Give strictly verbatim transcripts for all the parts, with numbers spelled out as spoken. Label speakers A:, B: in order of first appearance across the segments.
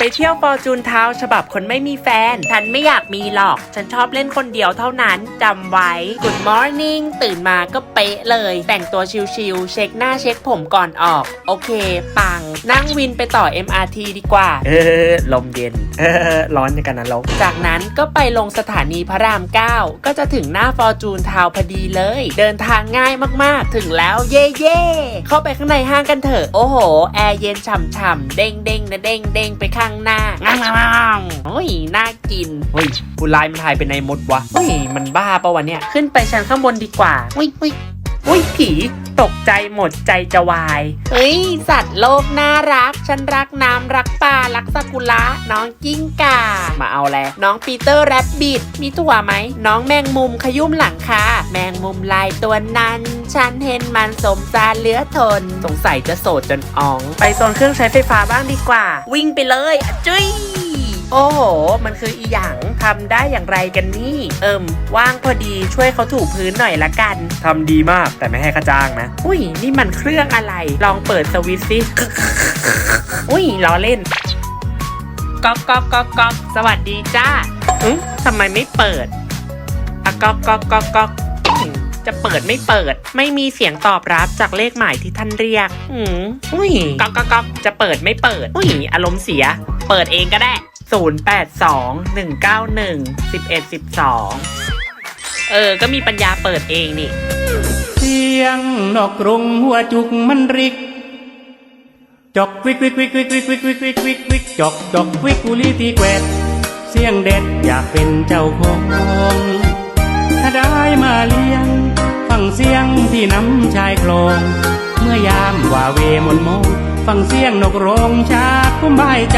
A: เที่ยวฟอร์จูนทาวน์ฉบับคนไม่มีแฟนฉันไม่อยากมีหรอกฉันชอบเล่นคนเดียวเท่านั้นจำไว้ Good morning ตื่นมาก็เป๊ะเลยแต่งตัวชิลๆเช็คหน้าเช็คผมก่อนออกโอเคปังนั่งวินไปต่อ เอ็ม อาร์ ที ดีกว่าเออลมเย็นเออร้อนกันนะลกจากนั้นก็ไปลงสถานีพระรามเก้าก็จะถึงหน้าฟอร์จูนทาวน์พอดีเลยเดินทางง่ายมากๆถึงแล้วเย่เย่เข้าไปข้างในห้างกันเถอะโอ้โหแอร์เย็นฉ่ำๆเด้งเด้งนะเด้งเด้งไปข้างหน้างางๆโอ้ยน่ากินเฮ้ยผู้ลายมันถ่ายเป็นในมดวะเฮ้ยมันบ้าปะวะเนี่ยขึ้นไปชั้นข้างบนดีกว่าอุ้ยอุ้ยอุ้ยผีตกใจหมดใจจะวายเฮ้ยสัตว์โลกน่ารักฉันรักน้ำรักปลารักซากุระน้องกิ้งก่ามาเอาแลน้องปีเตอร์แรบบิทมีตัวไหมน้องแมงมุมขยุ่มหลังคาแมงมุมลายตัวนั้นฉันเห็นมันสมสารเหลือทนสงสัยจะโสดจนอ๋องไปโซนเครื่องใช้ไฟฟ้าบ้างดีกว่าวิ่งไปเลยอะจุ้ยโอ้โหมันคืออีหยังทำได้อย่างไรกันนี่เอิมว่างพอดีช่วยเขาถูพื้นหน่อยละกันทำดีมากแต่ไม่ให้ค่าจ้างนะอุ้ยนี่มันเครื่องอะไรลองเปิดสวิตช์สิอุ้ยล้อเล่นก๊อกก๊อกก๊อกก๊อกสวัสดีจ้าอืมทำไมไม่เปิดอะก๊อกก๊อกก๊อกก๊อกจะเปิดไม่เปิดไม่มีเสียงตอบรับจากเลขหมายที่ท่านเรียกอืมอุ้ยก๊อกก๊อกก๊อกจะเปิดไม่เปิดอุ้ยอารมณ์เสียเปิดเองก็ได้ศูนย์ แปด สอง หนึ่ง เก้า หนึ่ง สิบเอ็ด สิบสองเออก็มีปัญญาเปิดเองนี่
B: เสียงนกกรงหัวจุกมันริกจอกวิกวิกวิกวิกวิกวิกวิกวิกวิกวิกจอกจอกวิกกุลีตีแกวดเสียงเด็ดอยากเป็นเจ้าของถ้าได้มาเลี้ยงฟังเสียงที่น้ำชายคลองเมื่อยามว่าเวมนมองฟังเสียงนกร้องชาติคุ้มบายใจ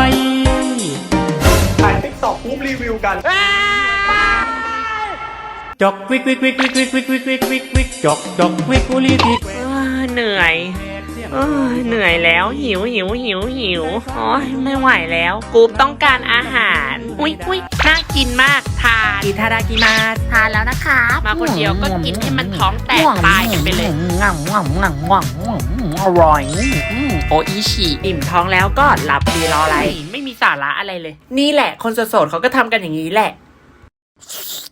C: ถ่ายติ๊กต็อกปุ๊บรีวิวกัน
B: จอกวิกวิกวิกวิกวิกวิกวิกวิกวิกวิกจอกจอกวิกกุลีตี
A: เหนื่อยเหนื่อยแล้วหิวหิวหิวหิวโอ้ยไม่ไหวแล้วกูต้องการอาหารอุ้ยอุ้ยน่ากินมากทานอิทารากิมา
D: ทานแล้วนะคะ
A: มาคนเดียวก็กินให้มันท้องแตกตายกันไปเลย
D: ง่ำง่ำง่ำง่ำอร่อย
A: โออิชิอิ่มท้องแล้วก็หลับดีรออะไรไม่มีสาระอะไรเลยนี่แหละคนโสดๆเขาก็ทำกันอย่างนี้แหละ